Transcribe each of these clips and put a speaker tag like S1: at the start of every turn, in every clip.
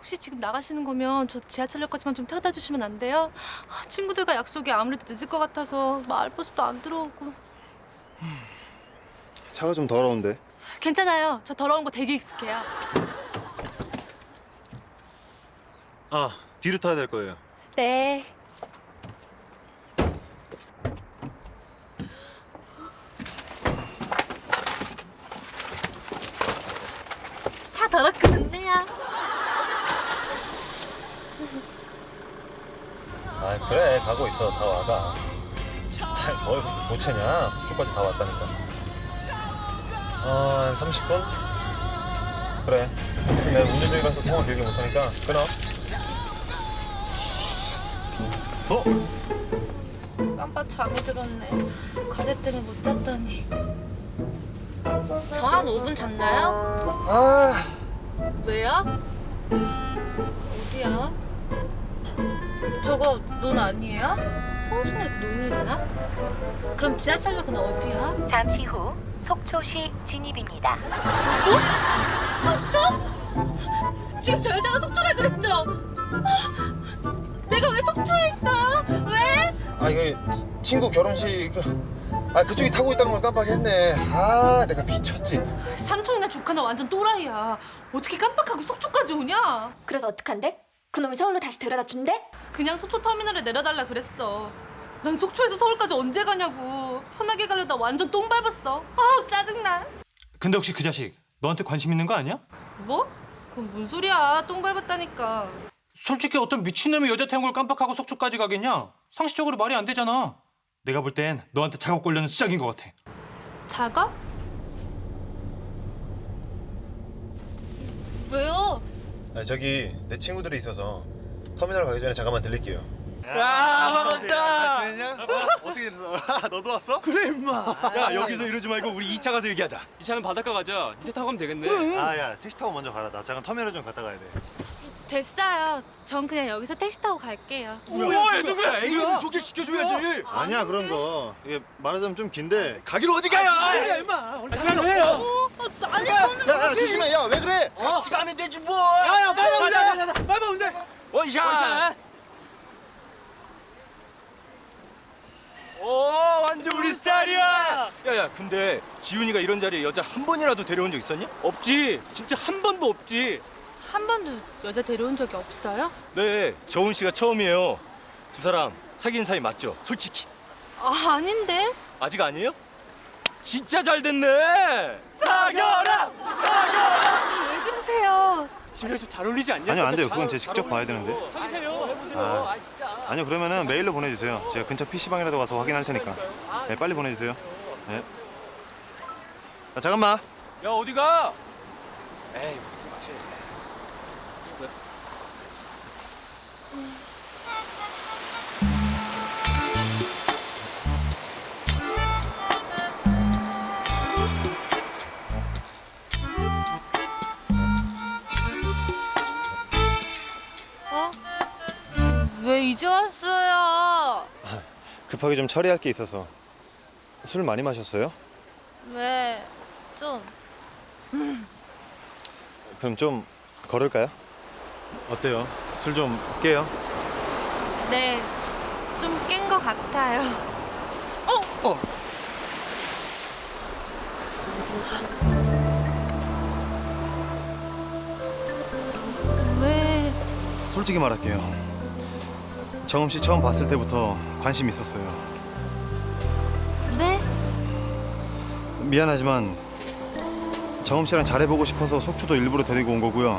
S1: 혹시 지금 나가시는 거면 저 지하철역까지만 좀 태워다 주시면 안 돼요? 친구들과 약속이 아무래도 늦을 것 같아서 마을버스도 안 들어오고.
S2: 차가 좀 더러운데.
S1: 괜찮아요. 저 더러운 거 되게 익숙해요.
S2: 아, 뒤로 타야 될 거예요.
S1: 네. 차 더럽고 좋네요.
S2: 아, 그래. 가고 있어. 다 와가. 아, 뭘 그렇게 못 차냐? 속초까지 다 왔다니까. 한 30분? 그래. 아무튼 내가 운전 중이라서 통화 길게 못 하니까 끊어.
S1: 깜빡 잠이 들었네. 과제 때문에 못 잤더니. 저 한 5분 잤나요?
S2: 아,
S1: 왜요? 어디야? 저거 논 아니에요? 서울시내에서 논이었나? 그럼 지하철역은 어디야?
S3: 잠시 후 속초시 진입입니다.
S1: 속초? 지금 저 여자가 속초라 그랬죠? 내가 왜 속초에 있어요? 왜?
S2: 아 이거 친구 결혼식 그쪽이 타고 있다는 걸 깜빡했네. 아, 내가 미쳤지.
S1: 삼촌이나 조카나 완전 또라이야. 어떻게 깜빡하고 속초까지 오냐?
S4: 그래서 어떡한데? 그놈이 서울로 다시 데려다 준대?
S1: 그냥 속초 터미널에 내려달라 그랬어. 난 속초에서 서울까지 언제 가냐고. 편하게 가려다 완전 똥 밟았어. 아우 짜증나.
S5: 근데 혹시 그 자식 너한테 관심 있는 거 아니야?
S1: 뭐? 그건 뭔 소리야. 똥 밟았다니까.
S5: 솔직히 어떤 미친놈이 여자 태운 걸 깜빡하고 속초까지 가겠냐? 상식적으로 말이 안 되잖아. 내가 볼 땐 너한테 작업 걸려는 시작인 것 같아.
S1: 작업? 왜요?
S2: 저기 내 친구들이 있어서 터미널 가기 전에 잠깐만 들릴게요.
S6: 반갑다.
S2: 지냈냐? 어떻게 됐어? 너도 왔어?
S6: 그래 임마.
S2: 야, 여기서 이러지 말고 우리 2차 가서 얘기하자.
S7: 이 차는 바닷가 가자. 이제 타고 가면 되겠네.
S2: 야, 택시 타고 먼저 가라. 나 잠깐 터미널 좀 갔다 가야 돼.
S1: 됐어요. 전 그냥 여기서 택시 타고 갈게요.
S7: 뭐야 누구야?
S6: 이거 소개시켜줘야지.
S2: 아니야, 그런 거. 이게 말하자면 좀 긴데.
S6: 가기로 어디 가요? 그래 임마.
S7: 가시면 돼요.
S1: 아니 저는
S2: 야, 조심해. 야, 왜 그래?
S6: 같이 가면 되지 뭐. 야야 빨리 운전. 빨리 운전. 원샷.
S7: 오 완전 우리 스타일이야.
S6: 야야 근데 지훈이가 이런 자리에 여자 한 번이라도 데려온 적 있었냐?
S7: 없지. 진짜 한 번도 없지.
S1: 한 번도 여자 데려온 적이 없어요?
S6: 네 저훈 씨가 처음이에요. 두 사람 사귄 사이 맞죠? 솔직히.
S1: 아닌데.
S6: 아직 아니에요? 진짜 잘 됐네. 사겨라.
S1: 왜 그러세요?
S7: 지금 좀 잘 어울리지 않냐?
S2: 아니요, 안 돼요. 그건 제가 직접 봐야 되는데.
S7: 사귀세요. 해보세요.
S2: 아, 아니요, 그러면은 메일로 보내주세요. 제가 근처 PC방이라도 가서 확인할 테니까. 네, 빨리 보내주세요. 네. 야, 잠깐만.
S6: 야 어디 가? 에이.
S1: 어? 왜 이제 왔어요?
S2: 급하게 좀 처리할 게 있어서. 술 많이 마셨어요?
S1: 왜? 좀.
S2: 그럼 좀 걸을까요? 어때요? 술 좀 깨요?
S1: 네. 좀 깬 것 같아요.
S2: 어!
S1: 왜?
S2: 솔직히 말할게요. 정음 씨 처음 봤을 때부터 관심 있었어요.
S1: 네?
S2: 미안하지만 정음 씨랑 잘해보고 싶어서 속초도 일부러 데리고 온 거고요.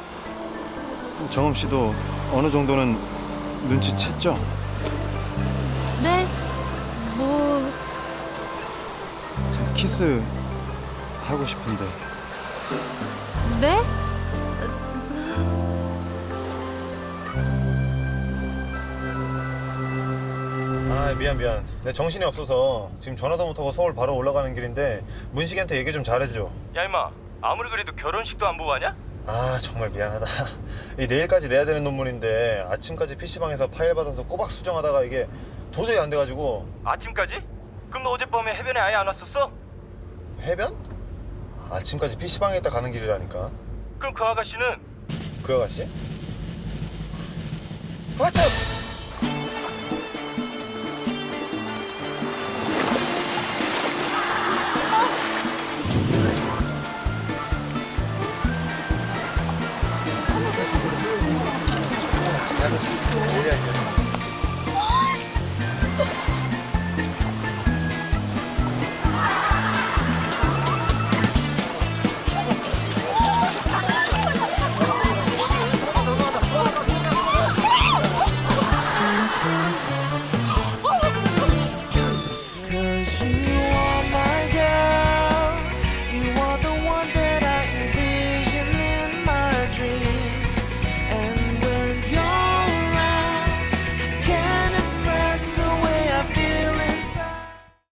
S2: 정음 씨도 어느 정도는 눈치챘죠?
S1: 네? 뭐...
S2: 저 키스 하고 싶은데.
S1: 네?
S2: 아, 미안. 내 정신이 없어서 지금 전화도 못하고 서울 바로 올라가는 길인데 문식이한테 얘기 좀 잘해줘.
S6: 야 임마 아무리 그래도 결혼식도 안 보고 가냐?
S2: 아, 정말 미안하다. 이 내일까지 내야 되는 논문인데 아침까지 PC방에서 파일 받아서 꼬박 수정하다가 이게 도저히 안 돼가지고.
S6: 아침까지? 그럼 너 어젯밤에 해변에 아예 안 왔었어?
S2: 해변? 아침까지 PC방에 있다 가는 길이라니까.
S6: 그럼 그 아가씨는
S2: 그 아가씨? 아 참!
S8: Cause you are my girl. You are the one that I envision in my dreams. And when you're around, I can't express the way I feel inside.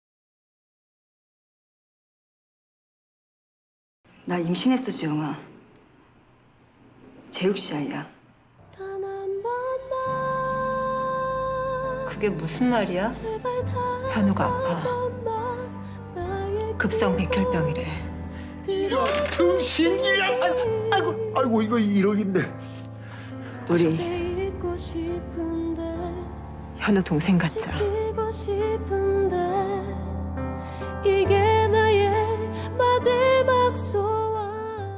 S9: 나 임신했어, 지영아. 재욱 씨 아이야. 그게 무슨 말이야? 현우가 아파. 급성 백혈병이래.
S10: 등신이야. 아이고 이거 1억인데.
S9: 우리 현우 동생 같자.
S8: 이게 나의 마지막 소원.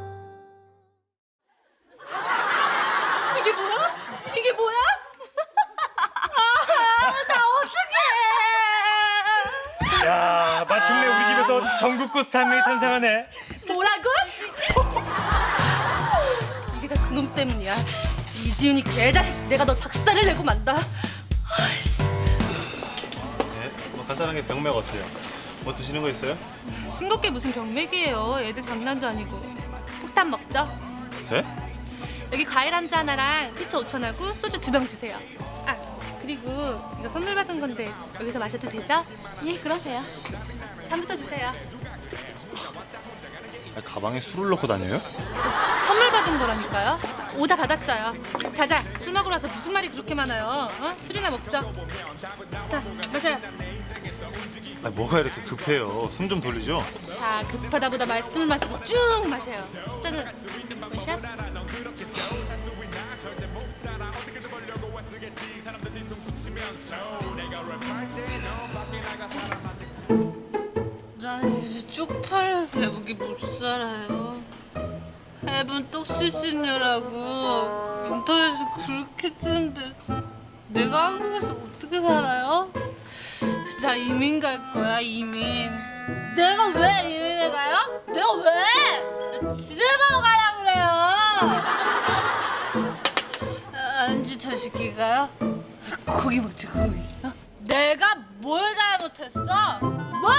S1: 이게 뭐야? 이게 뭐야?
S5: 야, 마침내 우리 집에서 전국구 스타명이 탄생하네.
S1: 뭐라고? 이게 다 그놈 때문이야. 이지은이 개자식, 내가 널 박살을 내고 만다. 아이씨.
S2: 네, 뭐 간단하게 병맥 어때요? 뭐 드시는 거 있어요?
S1: 싱겁게 무슨 병맥이에요. 애들 장난도 아니고. 폭탄 먹죠?
S2: 네?
S1: 여기 과일 한 잔 하나랑 피처 5,000하고 소주 2병 주세요. 아, 그리고 이거 선물 받은 건데 여기서 마셔도 되죠? 예, 그러세요. 잔부터 주세요.
S2: 가방에 술을 넣고 다녀요?
S1: 선물 받은 거라니까요. 오다 받았어요. 자자, 술 먹으러 와서 무슨 말이 그렇게 많아요? 어? 술이나 먹죠. 자, 마셔요.
S2: 아, 뭐가 이렇게 급해요? 숨 좀 돌리죠?
S1: 자, 급하다보다 말씀을 마시고 쭉 마셔요. 숫자는 원샷. 난 이제 쪽팔려서 여기 못 살아요. 앨범 떡시시녀라고 인터넷에 그렇게 뜨는데 내가 한국에서 어떻게 살아요? 나 이민 갈 거야, 이민. 내가 왜 이민을 가요? 내가 왜? 나 지대 보러 가라 그래요. 안주 더 시킬까요? 고기 먹지, 고기. 어? 내가 뭘 잘못했어? 뭘?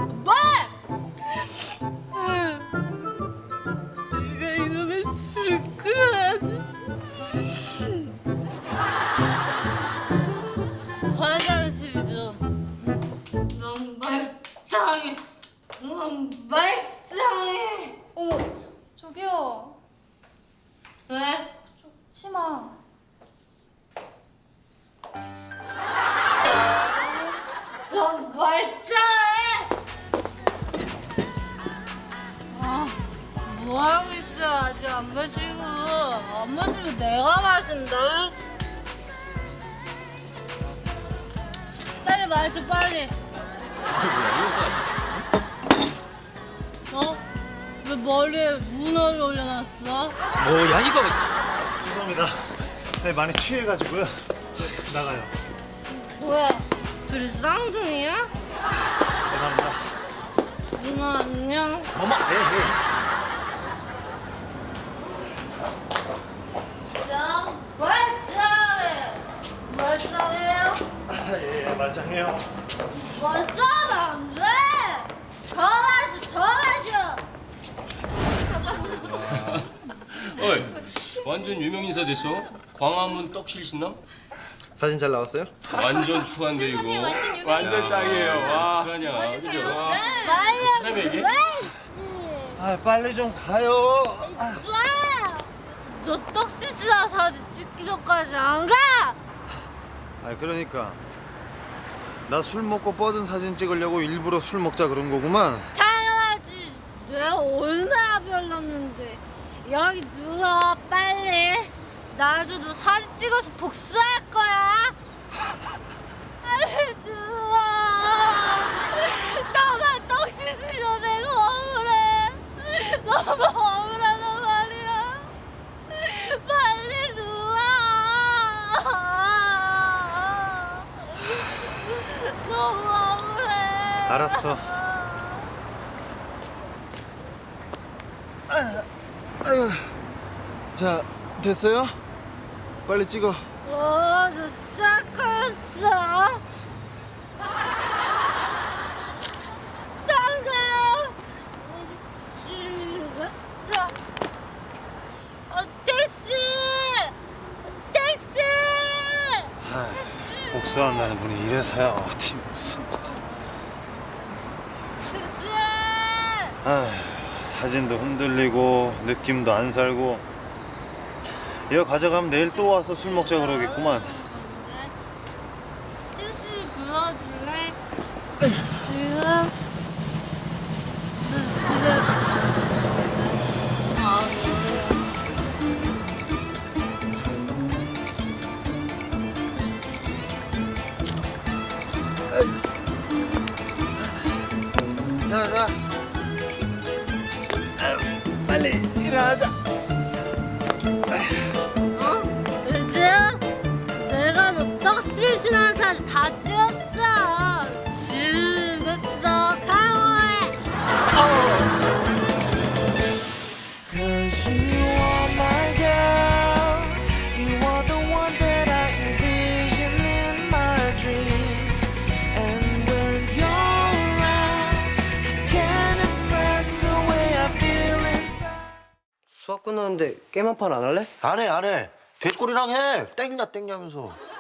S1: 내가 이놈의 술을 끊어야지. 화장실 좀. 넌 말짱해. 넌 말짱해. 어머, 저기요. 네? 치마. 넌 말짱해. 아, 뭐 하고 있어? 아직 안 마시고. 안 마시면 내가 마신다. 빨리 마셔, 빨리. 어? 왜 머리에 문어를 올려놨어?
S6: 뭐야 이거?
S2: 죄송합니다. 네, 많이 취해가지고요. 나가요.
S1: 뭐야? 둘이 쌍둥이야?
S2: 죄송합니다.
S1: 누나 안녕.
S6: 어머.
S1: 난 말짱해. 말짱해요?
S2: 예, 말짱해요.
S1: 말짱하면 안 돼. 더 마셔, 더 마셔.
S7: 어이, 완전 유명 인사 됐어. 광화문 떡실 신남?
S2: 사진 잘 나왔어요?
S7: 완전 추한데 이거.
S6: 완전 짱이에요. 와.
S7: 어떡하냐, 그죠? 사람이 얘기?
S2: 아, 빨리 좀 가요.
S1: 너 떡시시나 사진 찍기 전까지 안 가?
S2: 아, 그러니까 나 술 먹고 뻗은 사진 찍으려고 일부러 술 먹자 그런 거구만.
S1: 당연하지. 내가 얼마나 별났는데. 여기 누워 빨리. 나도 너 사진 찍어서 복수할 거야. 빨리 누워. 나만 떡 씻으면 내가 억울해. 너무 억울하단 말이야. 빨리 누워. 너무 억울해.
S2: 알았어. 자, 됐어요? 빨리 찍어.
S1: 너 짝거였어. 쌍가. 택시.
S2: 복수한다는 분이 이래서야 어디 무슨
S1: 택시.
S2: 사진도 흔들리고 느낌도 안 살고 이거 가져가면 내일 또 와서 술 먹자 그러겠구만.
S1: 택시 불러줄래? 지금? 너 집에
S2: 자. 빨리 일어나자.
S1: 이제야? 내가 너 떡실신하는 사진 다 찍었어. 죽었어. 강호해.
S8: Cause you are my girl. You are the one that I envision in my dreams. And when you're around, I can't express the way I feel inside.
S11: 수업 끝났는데 게임 한 판 안 할래?
S10: 안 해. 돼지꼬리랑 해. 땡냐 하면서.